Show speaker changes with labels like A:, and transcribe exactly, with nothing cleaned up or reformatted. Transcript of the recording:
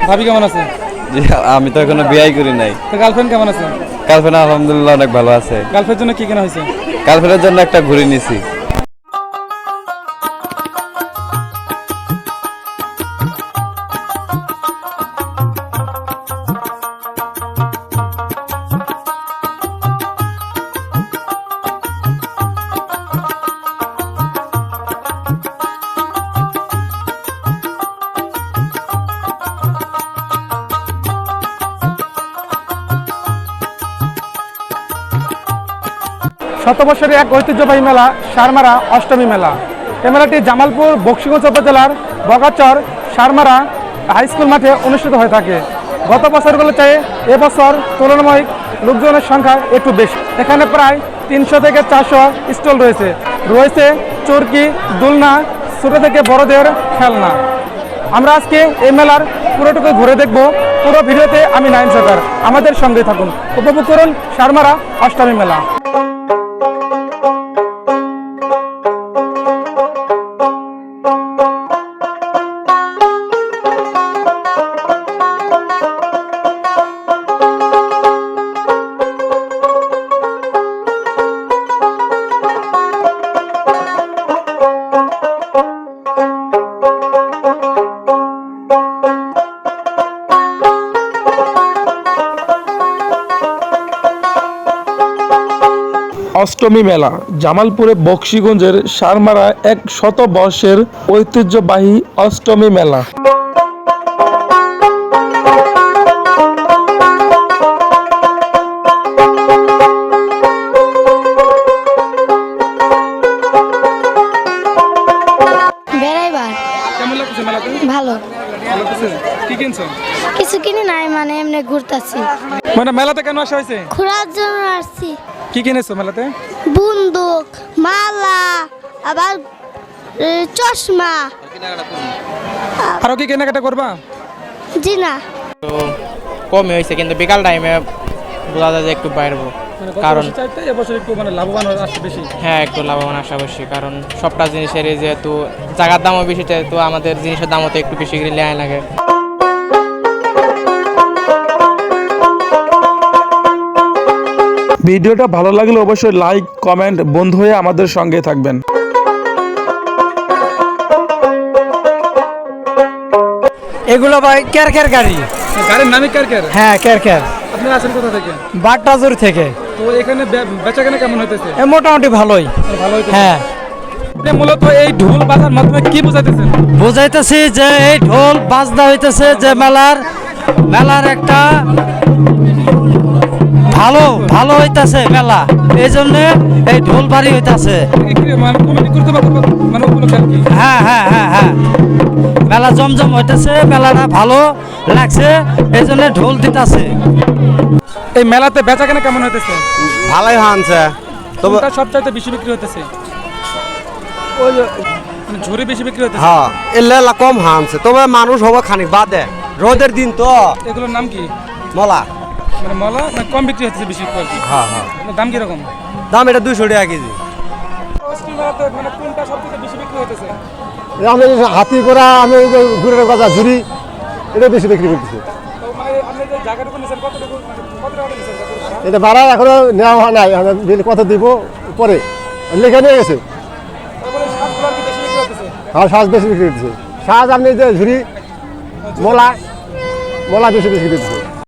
A: ভাবি কেমন আছে?
B: জি, আমি তো এখনো বিয়ে করি নাই।
A: তো গার্লফ্রেন্ড কেমন আছে?
B: গার্লফ্রেন্ড আলহামদুলিল্লাহ অনেক ভালো আছে।
A: গার্লফ্রেন্ডের জন্য কি কেনা হয়েছে?
B: গার্লফ্রেন্ডের জন্য একটা ঘুড়ি নিছি।
A: শত বছরের এক ঐতিহ্যবাহী মেলা সারমারা অষ্টমী মেলা। এই মেলাটি জামালপুর বক্সিগঞ্জ উপজেলার বগাচর সারমারা হাই স্কুল মাঠে অনুষ্ঠিত হয়ে থাকে। গত বছরগুলো চেয়ে এবছর তুলনামূলক লোকজনের সংখ্যা একটু বেশি। এখানে প্রায় তিনশো থেকে চারশো স্টল রয়েছে। রয়েছে চরকি, দোলনা, ছোটো থেকে বড়দের খেলনা। আমরা আজকে এই মেলার পুরোটুকু ঘুরে দেখব। পুরো ভিডিওতে আমি নাইম সরকার, আমাদের সঙ্গে থাকুন, উপভোগ করুন সারমারা অষ্টমী মেলা। অষ্টমী মেলা জামালপুরে বক্সিগঞ্জের সারমারা এক শত বর্ষের ঐতিহ্যবাহী অষ্টমী মেলা।
C: বেড়াইবার
A: কেমন লাগছে মেলাতে?
C: ভালো।
A: ভালো লাগছে। কি কিনছো?
C: কিছু কিনি নাই, মানে এমনি ঘুরতাছি।
A: মানে মেলাতে কেন আসা হয়েছে?
C: ঘোরার জন্য আসছি।
A: কি কিনেছো মেলাতে?
C: বন্দুক, মালা, আবার এ, চশমা।
A: আরো কি কেনাকাটা করবা?
C: জি না,
D: কমই হয়েছে, কিন্তু বিকাল টাইমে বোঝা যায় যে একটু বাড়বো। কারণ
A: চাইতে এবছর একটু মানে লাভবান আসছে বেশি।
D: হ্যাঁ, একটু লাভবান আসা বেশি, কারণ সবটা জিনিসের যেহেতু জায়গার দামও বেশি, তো আমাদের জিনিসের দামও তো একটু বেশি করে লেয়াই লাগে।
A: ভিডিওটা ভালো লাগলে অবশ্যই লাইক, কমেন্ট, বন্ধু হয়ে আমাদের সঙ্গে থাকবেন।
E: এগুলো ভাই কের কের গাড়ি।
A: গাড়ির নামই কার কার?
E: হ্যাঁ, কের কের।
A: আপনি আছেন কোথা থেকে?
E: বাগটাজুর থেকে।
A: তো এখানে বে- বেচাকেনা কেমন হইতেছে?
E: এ মোটামুটি ভালোই।
A: ভালো হইতেছে।
E: হ্যাঁ,
A: আপনি মূলত এই ঢোল বাজার মাধ্যমে কি বোঝাইতেছেন?
E: বুঝাইতেছি যে এই ঢোল বাজনা হইতেছে যে মেলার মেলার একটা ভালো ভালো হইতাছে মেলা, এই জন্য এই ঢোল বাড়ি হইতাছে।
A: কি- কি- মানে কমিটি করতে পারবো মানে উপলক্ষে আর কি।
E: হ্যাঁ হ্যাঁ হ্যাঁ হ্যাঁ মেলা জমজম হইতেছে, মেলাটা ভালো লাগছে, এই জন্য ঢোল দিতাছে।
A: এই মেলাতে বেচাকেনা কেমন হইতেছে?
F: ভালোই হানছে, তবে
A: কোনটা সবচাইতে বেশি বিক্রি হইতেছে?
F: ওই যে
A: মানে ঝুড়ি বেশি বিক্রি হইতেছে?
F: হ্যাঁ এলে কম হানছে, তবে মানুষ হবে খানিক বাদে, রোদের দিন তো।
A: এগুলোর নাম কি?
F: মলা।
A: মানে মলা মানে কম বিক্রি হচ্ছে বেশি আর কি।
F: হ্যাঁ হ্যাঁ,
A: মানে দাম কিরকম?
F: দাম এটা দুইশো টাকা কেজি।
A: অষ্টমী মেলাতে মানে কোনটা সবচেয়ে বেশি বিক্রি হইতেছে?
G: আমি হাতি করা, আমি ওই যে ঘুরে গজা ঝুড়ি, এটা বেশি বিক্রি করতেছি।
A: তো মানে আপনি যে জায়গাটুকু নিছেন কতটুকু মানে কত টাকা নিছেন কত টাকা?
G: এটা ভাড়া এখনো নেওয়া হয় নাই, আমি বিল কত দিব পরে লেখা নিয়ে গেছে।
A: তারপরে সাজগুলো আর কি বেশি বিক্রি হইতেছে?
G: আর সাজ বেশি বিক্রি করতেছে। সাজ আপনি যে ঝুড়ি, মোলা মোলা বেশি বিক্রি করতেছে।